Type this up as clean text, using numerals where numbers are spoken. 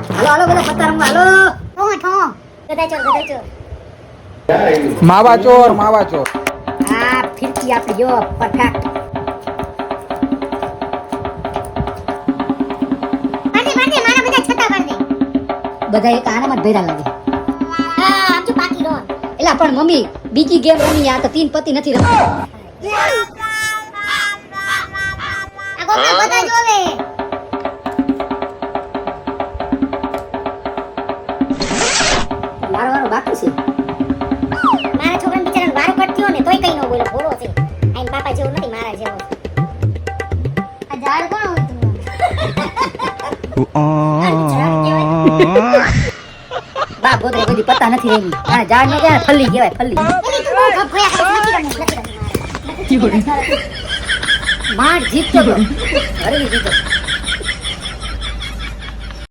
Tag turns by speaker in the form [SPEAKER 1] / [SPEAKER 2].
[SPEAKER 1] હાલો બધા પત્તા રમવા હાલો.
[SPEAKER 2] ઠો ગધાચોર
[SPEAKER 3] માવા ચોર માવા ચોર.
[SPEAKER 1] આ ફિરકી આપી જો પરફેક્ટ.
[SPEAKER 2] મારદે મારા બધા છતા મારદે.
[SPEAKER 1] બધા એક આનામાં જ ભેરા લાગે.
[SPEAKER 2] હા આમ તો બાકી રો.
[SPEAKER 1] એલા પણ મમ્મી બીજી ગેમ રમી આ તો 3 પત્તી નથી રમતી.
[SPEAKER 2] આ ગોપા બધા જોવે.
[SPEAKER 1] મારો વારો બાકી છે.
[SPEAKER 2] મારા છોકરાને બિચારાને વારો પડ્યો ને તોય કઈ ન બોલે ભોળો છે. આઈન પાપા જેવો નથી મારા જેવો. આ ઝાડ કોણ હોય તું?
[SPEAKER 1] બા ગોદરે બધી પત્તા નથી રમી. આ ઝાડ ને ક્યાં ફલ્લી કહેવાય ફલ્લી.
[SPEAKER 2] એની તું બહુ ભોયા કરે નથી રમવું.
[SPEAKER 1] માર જીતતો તો હરવી જીતો.